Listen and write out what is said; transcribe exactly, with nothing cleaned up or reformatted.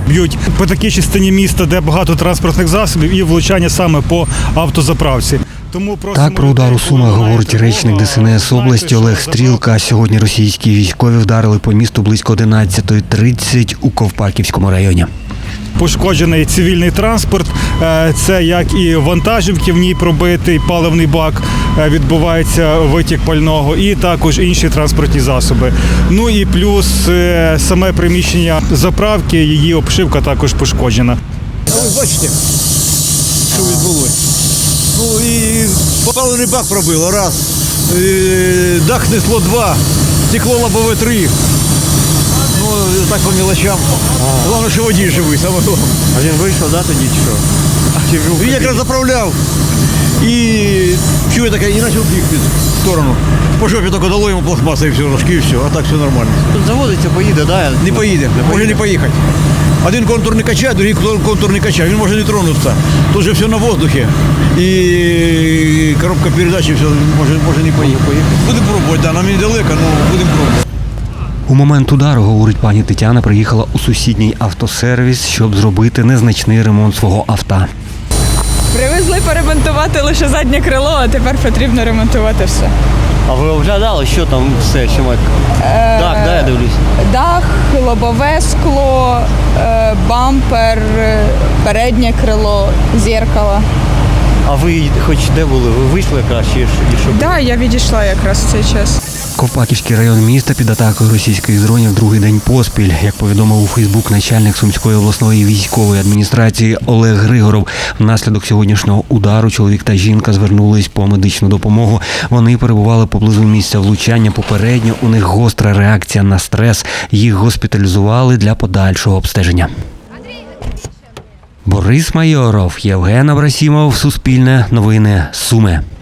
б'ють по такій частині міста, де багато транспортних засобів, і влучання саме по автозаправці. Тому Так про удар у Сумах говорить речник Де Се Не Ес області Олег Стрілка. Сьогодні російські військові вдарили по місту близько одинадцятої тридцять у Ковпаківському районі. Пошкоджений цивільний транспорт, це як і вантажівки, в ній пробитий паливний бак, відбувається витік пального, і також інші транспортні засоби. Ну і плюс саме приміщення заправки, її обшивка також пошкоджена. А ви бачите, що відбулося? Ну і паливний бак пробило, раз, дах снесло два, стекло лобове три. Ну, так по мелочам. Головне, що водій живий, саме головне. А він вийшов, да, тоді чи що? Він якраз заправляв і чує таке, і почав бігти в сторону. По жопі тільки дало йому пластмаса і все, рожки, і все, а так все нормально. Тут заводиться, поїде, да? Не поїде, може не поїхати. Один контур не качає, другий контур не качає, він може не тронутися. Тут же все на воздухі. І коробка передачі, все, може, може не поїхати. Будемо пробувати, да, нам недалеко, але будемо пробувати. У момент удару, говорить пані Тетяна, приїхала у сусідній автосервіс, щоб зробити незначний ремонт свого авто. Привезли поремонтувати лише заднє крило, а тепер потрібно ремонтувати все. А ви оглядали, що там все, що ми... Так, да, я дивлюсь. Дах, лобове скло, е, бампер, е, переднє крило, зеркало. А ви хоч де були? Ви вийшли якраз, чи що? Так, да, я відійшла якраз в цей час. Ковпаківський район міста під атакою російських дронів другий день поспіль. Як повідомив у Фейсбук начальник Сумської обласної військової адміністрації Олег Григоров, внаслідок сьогоднішнього удару чоловік та жінка звернулись по медичну допомогу. Вони перебували поблизу місця влучання. Попередньо у них гостра реакція на стрес. Їх госпіталізували для подальшого обстеження. Борис Майоров, Євген Абрасімов, Суспільне новини, Суми.